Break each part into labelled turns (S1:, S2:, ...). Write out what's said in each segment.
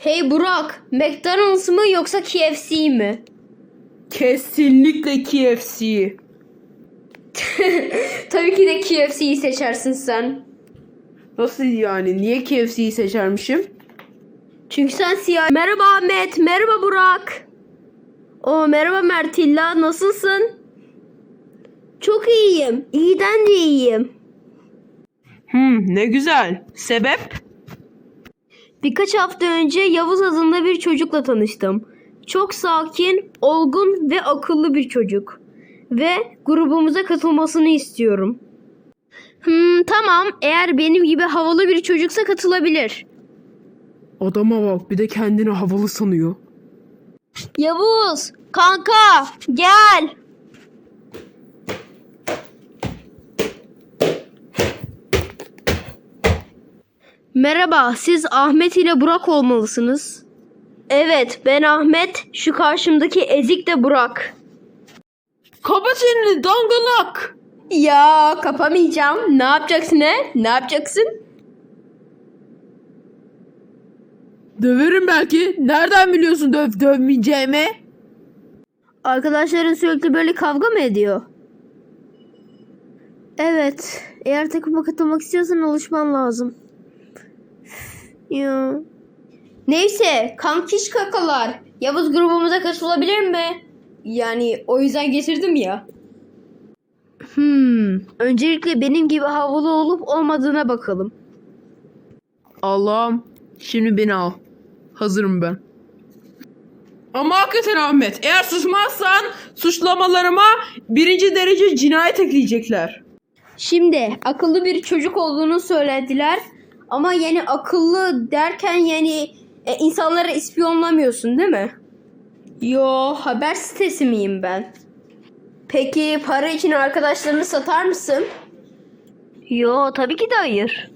S1: Hey Burak, McDonald's mı yoksa KFC mi?
S2: Kesinlikle KFC.
S1: Tabii ki de KFC'yi seçersin sen.
S2: Nasıl yani? Niye KFC'yi seçermişim?
S1: Çünkü sen siyah... Merhaba Ahmet, merhaba Burak. Merhaba Mertilla, nasılsın? Çok iyiyim, iyiden de iyiyim.
S2: Ne güzel. Sebep?
S1: Birkaç hafta önce Yavuz adında bir çocukla tanıştım. Çok sakin, olgun ve akıllı bir çocuk. Ve grubumuza katılmasını istiyorum. Tamam, eğer benim gibi havalı bir çocuksa katılabilir.
S2: Adama bak, bir de kendini havalı sanıyor.
S1: Yavuz, kanka, gel. Merhaba, siz Ahmet ile Burak olmalısınız. Evet, ben Ahmet, şu karşımdaki ezik de Burak.
S2: Kapa çeneni dangalak.
S1: Ya kapamayacağım. Ne yapacaksın he? Ne yapacaksın?
S2: Döverim belki. Nereden biliyorsun dövmeyeceğimi?
S1: Arkadaşların sürekli böyle kavga mı ediyor? Evet. Eğer takıma katılmak istiyorsan alışman lazım. Ya. Neyse. Kankiş kakalar. Yavuz grubumuza katılabilir mi? Yani o yüzden getirdim ya. Öncelikle benim gibi havalı olup olmadığına bakalım.
S2: Allah'ım. Şimdi beni al. Hazırım ben. Ama hakikaten Ahmet, eğer susmazsan suçlamalarıma 1. derece cinayet ekleyecekler.
S1: Şimdi akıllı bir çocuk olduğunu söylediler. Ama yani akıllı derken yani insanları ispiyonlamıyorsun değil mi? Yo, haber sitesi miyim ben? Peki para için arkadaşlarını satar mısın? Yo, tabii ki de hayır.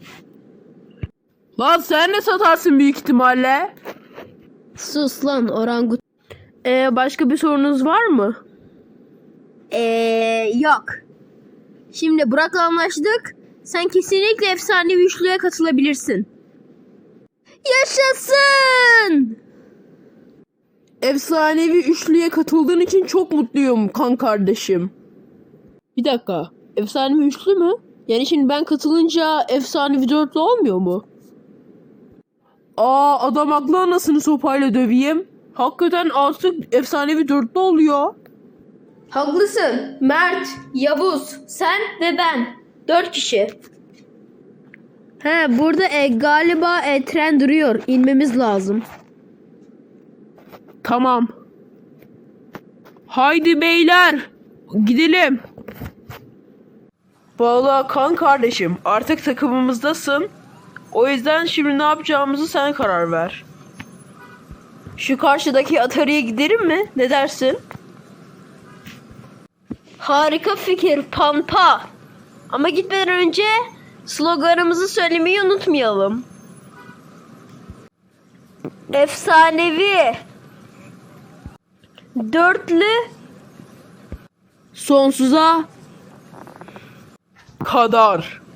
S2: Lan sen ne satarsın büyük ihtimalle?
S1: Sus lan orangut.
S2: Başka bir sorunuz var mı?
S1: Yok. Şimdi Burak'la anlaştık. Sen kesinlikle efsanevi üçlüye katılabilirsin. Yaşasın!
S2: Efsanevi üçlüye katıldığın için çok mutluyum kan kardeşim. Bir dakika. Efsanevi üçlü mü? Yani şimdi ben katılınca efsanevi dörtlü olmuyor mu? Adam haklı, anasını sopayla döveyim. Hakikaten artık efsanevi dörtlü oluyor.
S1: Haklısın. Mert, Yavuz, sen ve ben. 4 kişi. Burada galiba tren duruyor. İnmemiz lazım.
S2: Tamam. Haydi beyler. Gidelim. Vallahi kan kardeşim, artık takımımızdasın. O yüzden şimdi ne yapacağımızı sen karar ver. Şu karşıdaki Atari'ye gidelim mi? Ne dersin?
S1: Harika fikir Pampa. Ama gitmeden önce sloganımızı söylemeyi unutmayalım. Efsanevi. Dörtlü.
S2: Sonsuza kadar.